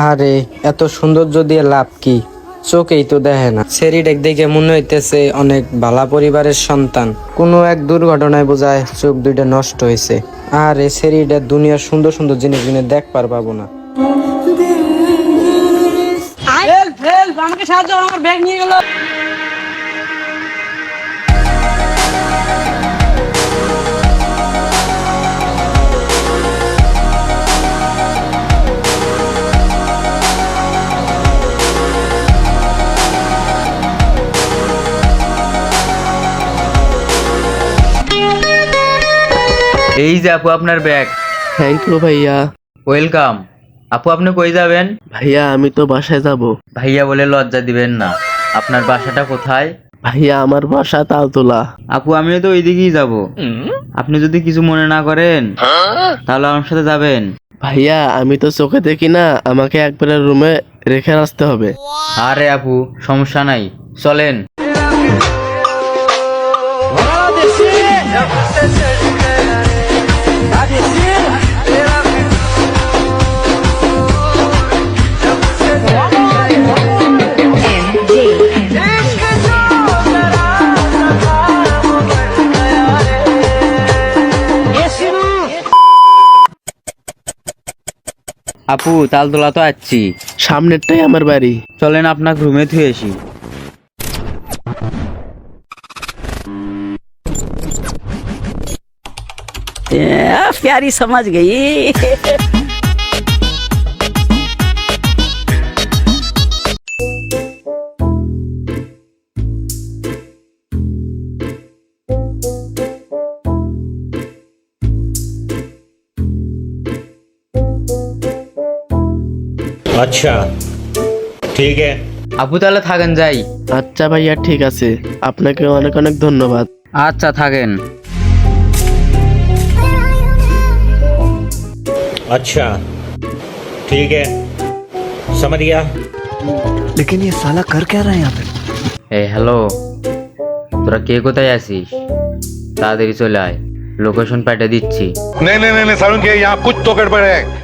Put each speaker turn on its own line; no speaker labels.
আরে এত সৌন্দর্য দিয়ে লাভ কি, চোখেই তো দেখে না। সেরিডেক দেখে মনে হইতেছে অনেক ভালা পরিবারের সন্তান। কোনো এক দুর্ঘটনায় বোঝায় চোখ দুইটা নষ্ট হয়েছে। আর এ সেরিডের দুনিয়ার সুন্দর সুন্দর জিনিসগুলো দেখবার পাবো না। আমাকে সাহায্য করো, আমার ব্যাগ নিয়ে গেল।
এই যে আপু আপনার ব্যাগ।
থ্যাংক ইউ ভাইয়া।
ওয়েলকাম। আপু আপনি কই যাবেন?
ভাইয়া আমি তো বাসায় যাব।
ভাইয়া বলে লজ্জা দিবেন না। আপনার বাসাটা কোথায়?
ভাইয়া আমার বাসা তালতলা।
আপু আমিও তো ওইদিকেই যাব। আপনি যদি কিছু মনে না করেন তাহলে আমার সাথে যাবেন।
ভাইয়া আমি তো চোখে দেখি না, আমাকে একবারে রুমে রেখে আসতে হবে।
আরে আপু সমস্যা নাই, চলেন। আপু তালতলা তো আসছি,
সামনেরটাই আমার বাড়ি।
চলেন আপনাকে রুমে থুয়ে আসি।
प्यारी समझ गई।
अच्छा ठीक है।
আপু তাহলে থাকেন, যাই।
আচ্ছা ভাইয়া ঠিক আছে, আপনাকে অনেক অনেক ধন্যবাদ।
আচ্ছা থাকেন।
अच्छा ठीक है, समझ गया।
लेकिन ये साला कर क्या रहा है यहाँ पे?
এই হ্যালো, তোরা কে কোথায় আছিস? তাড়াতাড়ি চলে আয়, লোকেশন পাঠিয়ে দিচ্ছি।
नहीं नहीं नहीं नहीं सारुण के यहाँ कुछ तो गड़बड़ है।